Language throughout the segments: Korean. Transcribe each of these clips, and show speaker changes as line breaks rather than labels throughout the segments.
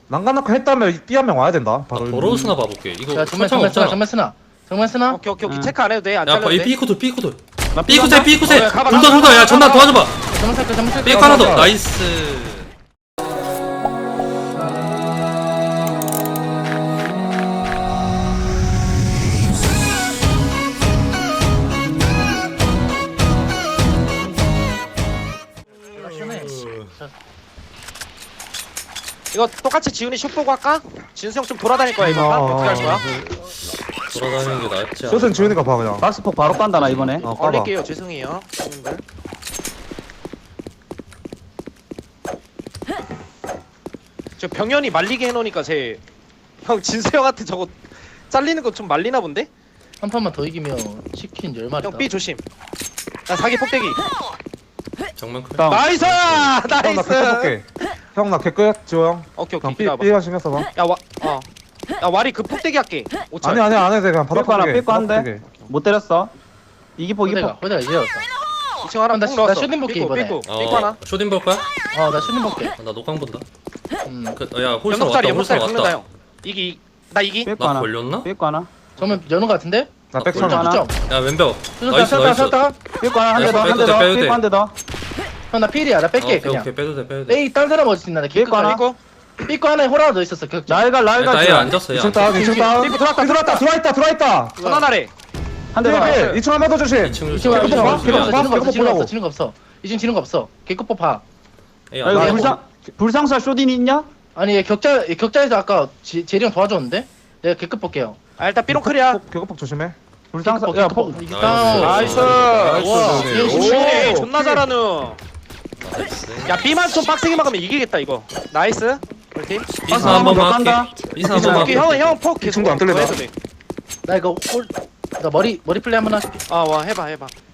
난간나카 했다면 B 한 명 와야 된다. 바로.
도로 스나 봐볼게. 이거
야 정면
설정 없잖아.
정면 쓰나?
오케이
응.
체크 안 해도 돼안
야,
잘려도
이
돼.
B코드, B코드.
나
B코드, B코드.
가봐,
둘 더,
가봐,
둘 더. 야,
가봐,
전나
가봐.
도와줘봐.
정면 쓸게
삐 하나 더. 나이스.
이거 똑같이 지훈이 슛 보고 할까? 진수 형 좀 돌아다닐 거야 이거 어떻게 할 거야?
돌아다니는 게 낫지 않아?
숏은 지훈이가 봐 그냥.
박스폭 바로 깐다 나 이번에.
까봐.
얼릴게요 죄송해요 형님들. 저 병현이 말리게 해놓으니까 형 진수 형한테 저거 잘리는 거 좀 말리나 본데?
한 판만 더 이기면 치킨 10마리다.
형 B 조심. 야 사기 폭대기.
정면 클.
다운.
나이스!
형 나 개꺼
나이스!
볼게. 형 나 개꺼야 지호 형.
오케이
그냥
오케이
B
기다려봐.
B가 신경 써봐.
야 와리 그 폭대기 할게. 5천.
아니 안 해도 돼 그냥 바닥
삐꾸 하나,
보게.
삐꾸 한 대. 못 때렸어. 이기폭 이기폭.
호대가 이제 왔다.
2층 하나
나
폭 넣었어.
나 슈팅 볼게, 이번에.
삐꾸 하나.
쇼딘 볼 거야?
나 슈팅 볼게.
나 녹광 본다.
음.
야, 홀서
연목살이
왔다. 홀서
연목살이 긁는다
왔다.
형. 이기 나 이기.
삐꾸
나
하나.
걸렸나?
삐꾸 하나.
정면 여는 거 같은데?
나
아,
백천
하나.
하나.
점.
야, 왼벽.
슈다
나이스, 나이스.
삐꾸 하나 한 대 더 한 대
빼도 돼,
더.
빼도 돼.
삐꾸 한 대 더.
형나 필이야. 나 뺄게
오케이,
그냥.
오케이. 빼도 돼, 빼도 돼.
에이 딴 사람 어디 있나? 나
삐꾸 하나.
이거.
삐꾸 하나에 호라가 더 있었어. 격자.
날갈
일단 얘
날갈.
앉았어, 얘.
2층 다운 2층 다운.
삐꾸 들어왔다,
들어왔다.
하나나래.
한 대 더.
2층 한번 더 조심.
2층
이층
개급
지는 거
봐,
없어.
개급 봐,
지는 거 없어.
개급
지는 거
보라고.
없어. 지는 거 없어. 이층 지는 거 없어. 개급법 봐.
에이,
아 이거
앉아.
불상사 쇼딘이 있냐?
아니 얘 격자에서 아까 제리 형 도와줬는데? 내가 개급 볼게요.
아 일단 삐롱클이야.
개급폭 조심해.
불상사
개급
야
개급
폭.
이게
나이스.
나이스.
와.
네.
오케이
오.
존나 잘하는.
나이스.
야 B만 좀 빡세게 막으면 이기겠다 이거. 나이스. 우리 팀.
비스 한 번만 할게. 비스 한 번만
오케이
할게.
형폭 계속
친구 안 뚫린다.
해도 돼.
나 이거 나 머리 플레이 한번 할게.
와 해봐.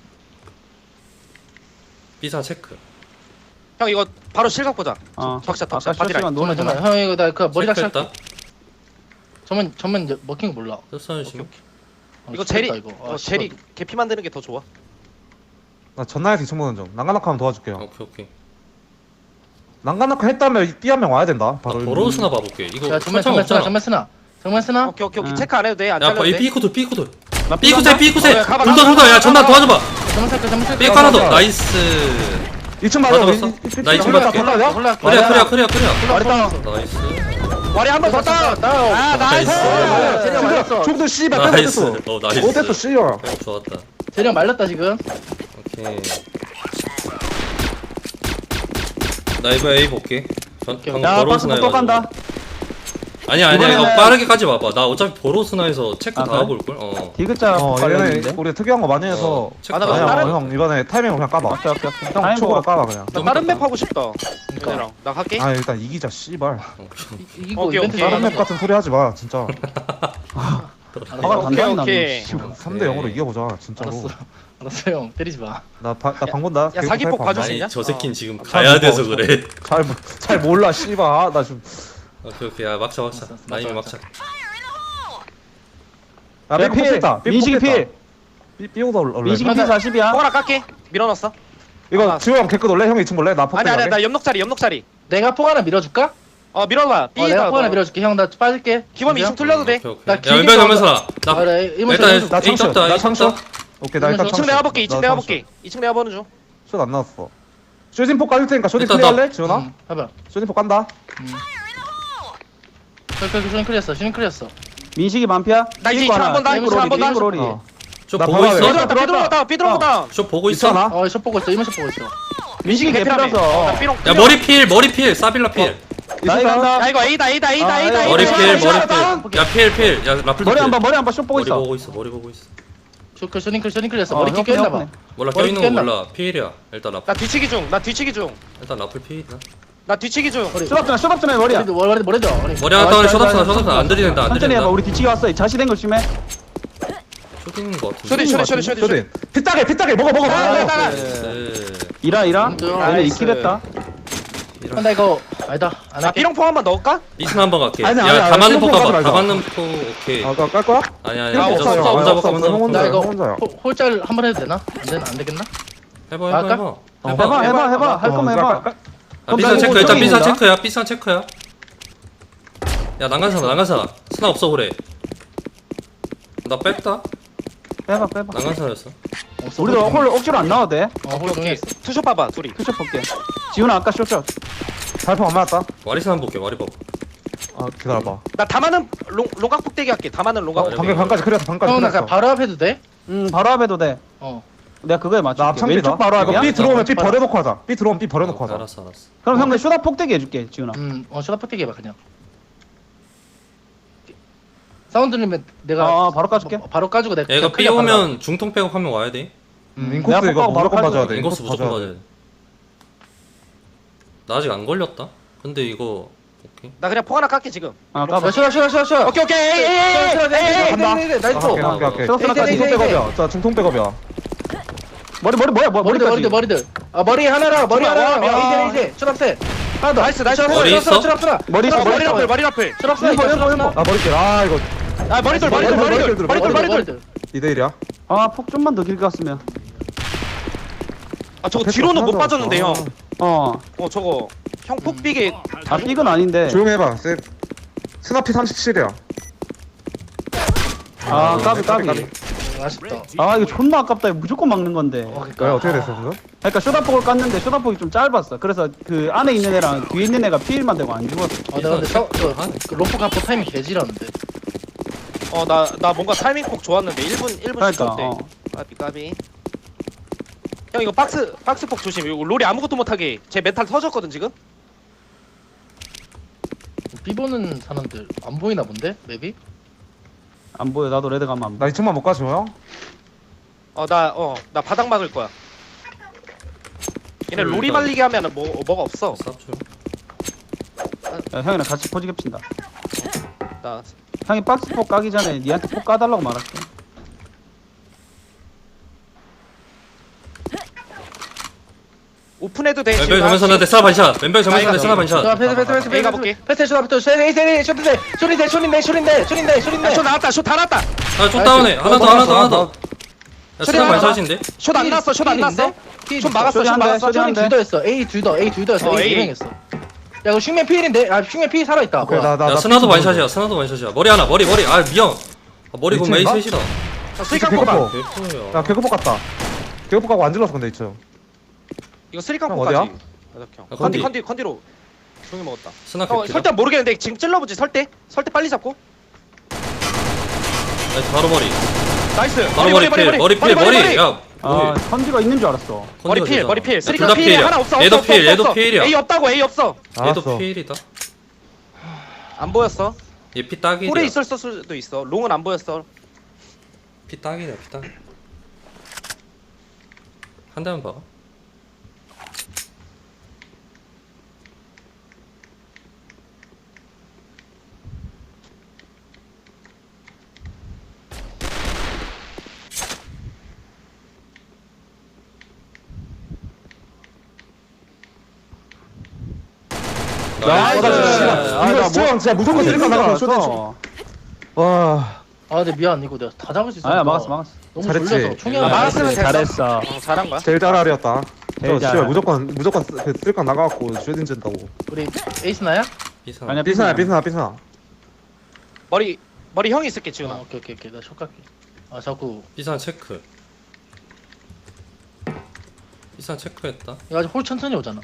비사 체크.
형 이거 바로 실각 보자. 적샷
아까
바디라인.
쇼스가 노래
정말 형 이거 나 그 머리랑
체크했다.
시 전면 먹힌 거 몰라.
됐어, 지금.
이거
죽겠다,
제리
이거.
제리 개피 만드는 게 더 좋아.
나 전나에서 2층 보는 중. 난간나카 하면 도와줄게요.
오케이.
난간나카 했다면 B 한 명 와야 된다. 바로.
도로 스나 봐볼게. 이거
야 정면
설정 없잖아.
정면 쓰나?
오케이
응.
체크 안 해도 돼안
야,
잘려도
이
돼.
B코드.
나
B코드.
가봐,
둘 더. 야, 전나 도와줘봐.
정면 쓸게.
삐 하나 더. 나이스.
2층 맞아.
맞았어? 나 2층 맞게.
올라.
그래.
말했다.
나이스.
와리 한번 더 따. 아 나이스.
나이스.
제리 형 말렸어.
죽도 씨발
나이스.
뺏었어.
나이스.
못했어 씨발.
좋았다.
제리 형 말렸다 지금.
오케이. 나 이거 A 볼게. 방금
야
보로스나
박스폭 또 간다.
아니야 이거
이번에는-
빠르게 가지 마봐. 나 어차피 보로스나에서 체크
아,
다
그래?
하고 올걸.
디귿자
얘네
관련인데.
우리 특이한 거 많이 해서.
체크
아, 나
다
아니야
하고
다른-
형 이번에 타이밍을 그냥 까봐.
오케이.
형
아이고.
초보로 까봐 그냥.
나 다른 맵 하고 싶다. 얘네랑 나 갈게.
아 일단 이기자 씨발.
이거
오케이,
이벤트
오케이.
다른
잘하는
맵
거.
같은 소리 하지 마 진짜.
화가
오케이,
단단히
오케이.
나네.
3대 0으로 이겨보자 진짜로.
알았어 형 때리지 마.
나방 본다.
야, 사기폭 봐줄 수
아니
있냐?
저 새끼는 지금
잘
가야
못
돼서
봐,
그래.
잘 몰라 씨발. 아, 나 지금.
오케이 야 막차. 나 이미 막차.
아
야,
삐 뽑혔다.
민식이 필.
삐오다 올래.
민식이 필 40이야.
뽕 하나 깎게. 밀어넣었어.
이거 지호 형 개끝 올래? 형 2층 볼래? 나 폭.
아니 나 옆넉자리.
내가 폭 하나 밀어줄까?
밀어봐.
내가 폭 하나 밀어줄게. 형 나 빠질게.
기범
진짜?
2층 뚫려도 돼.
오케이.
나
야
길게
왼발 전면서 나.
아, 나 이모
일단
나
A
창수.
떴다.
나
A
창수.
떴다.
오케이 나 일단
이층
2층 내가 볼게. 2층
나
내가
창수.
볼게. 2층 내가 보는 중.
숏안 나왔어. 쇼진포 까줄 테니까 쇼진
일단
클리어할래? 지원아?
해봐.
쇼진포 깐다.
슈닝 클리었어.
민식이 만피야.
나 이제 2층 한 번 더. 2층 한 번 더.
삐그로리.
어.
쇼
나
보고
봐봐,
있어.
왜?
삐들어갔다.
쇼 보고 있어.
있잖아.
숏 보고 있어. 이모 숏 보고 있어.
민식이
개피라며.
개피라서.
나 삐롱.
야 머리 필. 사빌라 필.
나이 간다.
야 이거 A다.
머리 필.
오케이.
야 필. 야 라플.
머리 한번 쇼 보고 있어.
머리 보고 있어.
슈닝 클리었어. 머리 끼 꼈나 봐.
몰라
머리
껴있는 거
깼나?
몰라. 필이야. 일단 라플.
나 뒤치기 중.
일단 라플 필이다.
나 뒤치기 중.
쇼답전에 머리야.
머리죠.
머리 하나 따오래 쇼답스나 안 들이댄다. 안
천천히 해봐.
들이댄다.
우리 뒤치기 왔어. 자시된 거 조심해.
쇼딩인 거 같은데.
쇼디.
쇼진. 피따게 먹어.
나이스.
이라.
인정.
얘네 이킬했다.
나 이거 아니다. 안
나
할게.
삐롱포 한번 넣을까?
미슨 한번 갈게.
아니,
야
아니,
가만는 포
삐롱
가봐.
가지 말자.
가만는 포 오케이.
깔 거야?
아니야.
야,
없어,
혼자
없어,
볼까 혼자
없어,
볼까.
나 이거
혼자야.
홀짤 한번 해도 되나? 안 되겠나?
해봐.
해봐. 할 거면 해봐.
아, 비싼 체크 일단 비싼 체크야. 비싼 체크야. 야 난간사나 스나 없어 그래. 나 뺐다.
빼봐.
난간사였어.
우리도 홀 억지로 안 나와도 돼.
홀
오케이.
정했어.
투샷 봐봐 둘이.
투샷 볼게. 지훈아 아까 쇼트.
발포 안 맞았다.
와리스 한번 볼게. 와리 봐.
아 기다려봐.
나 다마는 롱각 폭대기 할게. 다마는 롱각.
그래.
방금 반까지 그렸어. 반까지
형, 나
그렸어.
그냥 바로 앞 해도 돼?
바로 앞에도 돼.
어.
내가 그거에 맞출게.
나 앞창비다.
왼쪽 바로
이거
앞이야?
B 들어오면 B
바로.
버려놓고 하자. B 들어오면 B 버려놓고 하자.
알았어.
그럼 형 내 쇼다 폭대기 해줄게 지훈아.
쇼다 퍼뜨기 해봐, 그냥. 사운드 들리면 내가.
바로 까줄게.
바로 까주고 내가.
야, 이거
그냥
B
클리어 받아.
오면 중통 백업하면 와야 돼.
인코스
내가
이거
바로
무조건
가지고
봐줘야 돼.
인코스 무조건
봐줘야
맞아야 돼. 나 아직 안 걸렸다. 근데 이거 오케이.
나 그냥 폭 하나 깎게 지금.
까봐.
쉬어.
오케이.
간다.
나이스.
오케이.
쇼스나까지.
중통 백업이야. 자 중통 백업이야.
머리
머리들. 머리 하나라. 머리
와,
하나.
와.
이제. 슛업셋. 하나 더.
나이스.
머리 있어?
머리 있어.
머리 라플 머리 라플.
슛업셋.
아 머리길. 아 이거
아 머리돌.
2대1이야.
폭 좀만 더 길게 갔으면.
아 저거 뒤로는 못 빠졌는데 형. 저거 형 폭비게.
삑은 아닌데.
조용히 해봐. 스나피 37이야.
까비.
아쉽다.
이거 존나 아깝다. 이거 무조건 막는 건데.
왜 어떻게 됐어 그거?
그러니까 쇼다폭을 깠는데 쇼다폭이 좀 짧았어. 그래서 그 안에 있는 애랑 뒤에 있는 애가 피일만 되고 안 죽었어.
내가 근데 그 로프 가포 타이밍 개지렸는데.
나 뭔가 타이밍 폭 좋았는데 1분
그러니까.
10초 때. 까비. 형 이거 박스 폭 조심. 이거 롤이 아무것도 못하게. 제 멘탈 터졌거든 지금.
비보는 사람들 안 보이나 본데 맵이?
안 보여. 나도 레드 가면 안 보여.
나 2층만 못 가줘 형.
나 바닥 막을 거야. 얘네 롤이 말리게 하면은 뭐가 없어.
야, 형이랑 같이 포지 겹친다.
나
형이 박스 폭 까기 전에 니한테 폭 까달라고 말할게.
오픈해도 돼.
왼벽 정면 선한테 스나 반샷. 왼벽 정면 선한테 스나 반샷.
패스
A 가볼게.
쇼트부터 쇼린데
야, 슛 나왔다. 슛 다 나왔다.
아좀 다운해. 하나 더. 야 스나
하나 더.
반샷인데?
슛 안 났어. 슛 안 났어. 슛 막았어. 슛 막았어.
쇼리 한 대.
둘더 했어. A 둘더 했어. A
A.
유명했어. 야 이거 흉맨 피일인데? 흉맨 피일 살아있다.
오케이
뭐야.
야 스나도 반샷이야. 머리 하나. 머리. 아 미영. 머리 공 메이
미친가?
셋이다.
쓰리깡
개코포.
뽑아.
개코야.
야 개코포 갔다. 개코포 가고 안 질렀어 근데 2층.
이거 쓰리깡
형,
뽑아지.
어디야?
아,
컨디로. 종이 먹었다.
스나 개피다.
설때 모르겠는데 지금 찔러보지. 설때 빨리 잡고.
바로 머리.
나이스.
바로 머리 필. 야
선지가 있는 줄 알았어.
머리 필.
둘
쓰리깡
다
필.
필이야.
하나 없어.
얘도 필. 얘도 필이야.
A 없다고. A 없어.
얘도
알았어.
필이다.
안 보였어.
얘 피 딱이야.
홀에 있을 수도 있어. 롱은 안 보였어.
피 딱이네. 피 딱. 한 대만 봐.
이거 수영 진짜 무조건 쓰리깡 나가. 쇼대. 와.
근데 미안 이거 내가 다 잡을 수 있어.
막았어.
너무
잘했지.
졸려서 총이 하나
막았으면 됐어.
잘했어.
잘한 거야.
제일 잘알이었다.
제일
저
잘.
씨발 무조건 그 쓰리깡 나가갖고 슈딩 진다고.
우리 에이스나야?
비상.
아니야
삐스나.
머리 형이 있을게 지금.
오케이. 나 ሾ갈게. 자꾸
비상 체크. 비상 체크했다.
이거 아직 홀 천천히 오잖아.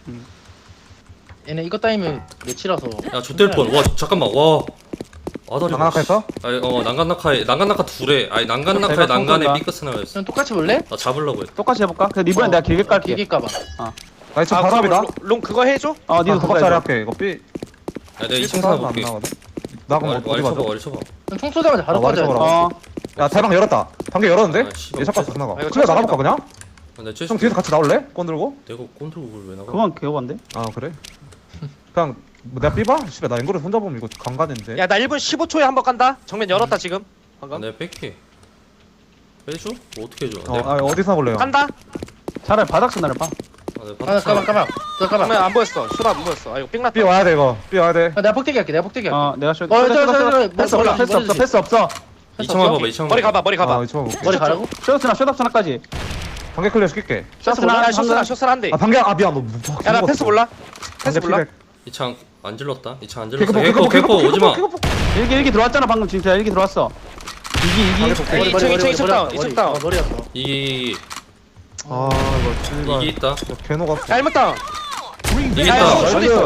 얘네 이거 따이면 며칠라서.
야 좆될 뻔. 와 잠깐만. 와. 아다리.
장난학했어?
난간낙하 둘에. 아니 난간낙하에
내가
난간에
쏜
삐끗스나였어.
형 똑같이 볼래?
나 잡으려고 했다.
똑같이 해볼까? 근데 이번엔 내가 길게 깔게.
길게까봐.
나 지금 바로 앞이다.
롱 그거 해줘.
니도
더
그거
짜리
해줘.
할게. 이거 삐.
야 내가 2층
삐
사나
안
볼게.
나거든. 나 그럼 어디
와리 쳐봐.
가서?
와리 쳐봐.
형 총 쏘자마자 바로
머리
꺼져야 돼.
쳐봐라. 야 대방 열었다. 방금 열었는데?
아, 씨발,
얘 잠깐
어째서?
나가.
아, 이거
클리어 나가볼까
천천히
그냥?
근데 쟤
형 뒤에서 같이 나올래? 꼰 들고?
내가 꼰들고 그걸 왜 나가?
그건 개호반데?
아 그래? 그냥 뭐 내가 삐봐? 씨발 나 앵글을 혼자 보면 이거 강간인데.
야 나 1분 15초에 한 번 간다. 정면 열었다 지금.
아,
방금.
내가 뺄게. 빼줘? 뭐 어떻게 해줘?
어디서 볼래요?
간다.
차라리 바닥 스나를 봐.
내가
까봐.
정면 안 보였어. 슛 안 보였어. 아 이거 삥 났다.
삐 와야 돼 이거. 삐 와야 돼.
내가 폭대기 할게.
내가 쇼.
패스 올라.
패스 없어.
2층 봐봐. 2층
머리 가봐.
아 이거 볼게.
머리 가라고?
쇼스나까지.
방개 클리어 시킬게.
쇼스나 한 대.
아 방개 아 미안 너.
야나 패스 몰라. 패스 몰라.
2창 안 질렀다. 이 차 안
개급
질렀어.
개급
개코 오지마.
일기 들어왔잖아 방금 진짜 일기 들어왔어. 이기.
에이, 이층 다운, 이층 다운.
머리였어.
이기
아 이거
이기 있다.
개노가
잘못 다운.
이기
야,
있다.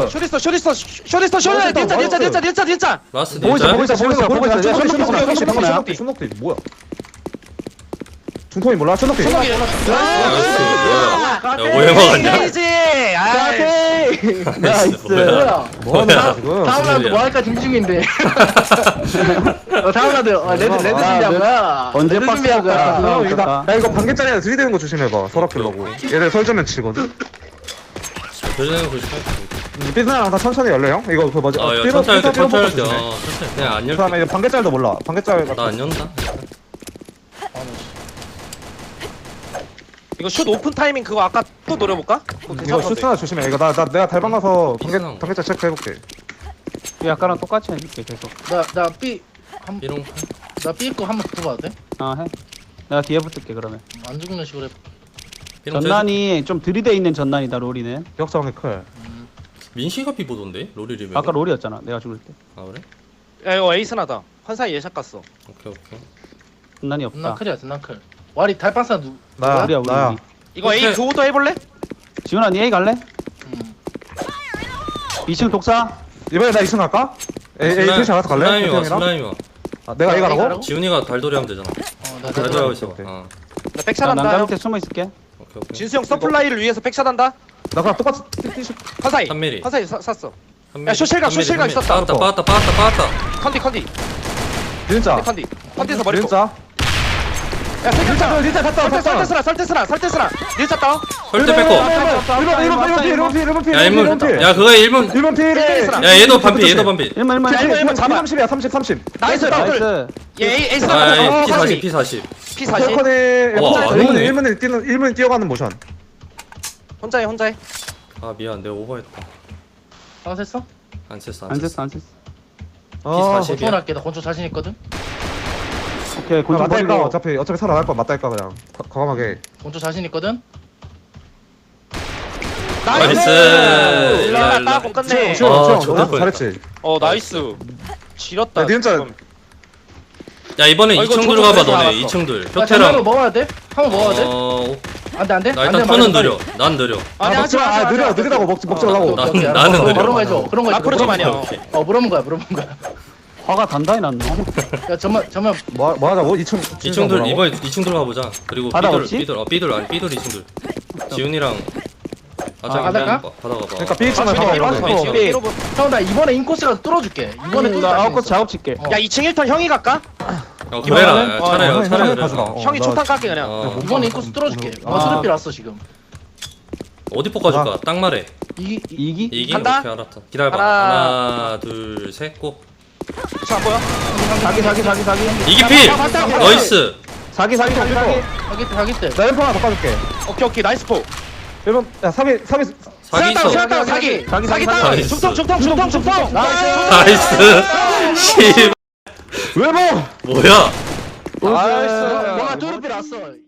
쇼리스터. 닌자.
라스트
보고 있어,
닌자.
보고 있어, 보고 있어, 보고 있어.
춘덕대 춘덕대 뭐야? 중통이 몰라? 춘덕대.
나이스. 뭐야? 야 오해 먹었냐?
나이스.
뭐야?
뭐하는 거야 지금?
다음 라운드
소리야?
뭐 할까 짐 중인데. 다음 라운드 레드 준비한 거야.
언제
레드
박스
준비한 거야.
형 이거 야 이거 반개짜리야 들이대는 거 조심해봐. 서랍길라고. 얘들 설정면 치거든.
그러는 거 조심해.
삐스나랑 다 천천히 열래 형? 이거 그 뭐지?
아, 야,
삐로-
천천히 할게,
삐로-
천천히
삐로
할게.
조심해.
천천히. 그냥 안
그
열게.
다음에 이거 반개짜리도 몰라. 반개짜리
나 안 연다.
이거 슛 오픈 타이밍 그거 아까 또 노려볼까? 그거
이거
괜찮던데.
슈트나 조심해. 이거 나 내가 달방 가서
삐스나.
반개짜리 체크해볼게.
아까랑 똑같이 해줄게 계속.
삐롱.
나 B 거 한번 붙어봐도 돼?
아 해. 내가 뒤에 붙을게 그러면.
안 죽는 식으로 해.
삐롱.
전난이 좀 들이대 있는 전난이다 롤이는.
기억자방이 클.
민시가 삐보던데? 롤이 리메.
아까 롤이었잖아 내가 죽을 때.
아 그래?
야 이거 에이스나다. 환상이 예샷 갔어.
오케이.
전난이
나
없다.
클이야 나 클. 와리 달빵사 누?
나야
우리야 우리.
나야.
우리.
이거
오케이.
A 교호도 해볼래?
지훈아 니 A 갈래?
음.
2층 독사.
이번에 나 2층 갈까? 에이 트위치 알아서 갈래?
슬라임이 와.
형이랑?
슬라임이 와.
아, 내가 이거
내가
하라고?
하라고?
지훈이가 달돌이 하면 되잖아.
나
달돌이 하고 있어.
오케이.
어.
나 백샷
나
한다.
난간
형.
밑에 숨어 있을게.
오케이.
진수 형 서플라이를 위해서 백샷 한다.
나 그냥 똑같이 띠띠
환상이.
3mm.
환상이 샀어.
한
야,
미리,
쇼실각,
한 미리,
쇼실각
한 미리.
있었다.
빠았다.
컨디.
진짜
컨디에서 머리.
진짜
야 세겼잖아.
진짜 갔다
설대스나. 닐자 다운.
헐때 뺏고.
1번 피
야 1문. 야 그거 1문.
1번 피
야 얘도 반피. 얘도 반피.
1만
잡아.
30이야 30
나이스 다운.
나이스.
얘 에이스
아
나왔어.
P40 P40.
P40.
펄컨에
와, 안 오네.
1문 뛰어가는 모션
혼자 해.
아 미안 내가 오버했다.
방했어?
안 셌어.
안 셌어.
아
P40.
권총 할게. 나 권총 자신 있거든.
오케이 곤충
맞다니까
버리고.
어차피 살아날 거 맞다니까 그냥 과감하게
권총 자신 있거든.
나이스.
일라
일라.
공 끝내.
아, 좋다,
잘했지
나이스. 지렸다.
야, 진짜-
지금.
야 이번에
이거
2층
저거
들어가봐
저거
너네
나왔어.
2층들.
나 전화로
표테랑.
먹어야 돼? 한번 먹어야 돼? 안돼.
나 일단 턴은 느려. 난 느려.
아니 하지 마.
느리다고 먹지 말라고
나-
오케이,
나는
알았어.
느려.
그런 거 해줘. 그런 거 해줘.
앞으로 좀 아니야.
물어본 거야.
화가 단단히 났네.
야 잠만.
뭐 하자고? 2층
2층들 이번에 2층 들어가 보자. 그리고
바다
삐돌
없지?
삐돌 아니 삐돌 2층들. 지훈이랑 아장
바다가?
받아가 봐.
그러니까 B층은
아,
상관없어
이러고,
삐.
이러고.
형 나 이번에 인코스가 뚫어줄게. 이번에 뚫어.
나 아웃코스 작업 칠게.
야 2층 1턴 형이 갈까?
그래라. 야,
어,
차라리
형이
그래.
가져가.
형이 초탄 깎게 그냥.
이번에 인코스 뚫어줄게.
아.
수렵비 났어 지금.
어디 뽑아줄까? 딱 말해.
이기.
이기?
오케이
간다?
알았다. 기다려봐.
하나.
하나 둘 셋 고.
저 안 보여?
사기.
이기 필. 나이스.
사기.
가기 때.
나 램프 하나 바꿔줄게
오케이 나이스 포.
1번 야 3위
사기 있어.
사기
사기.
다운.
나이스.
중통.
나이스. 씨.
왜 뭐?
뭐야?
나이스
뭔가 뚫을 비 났어.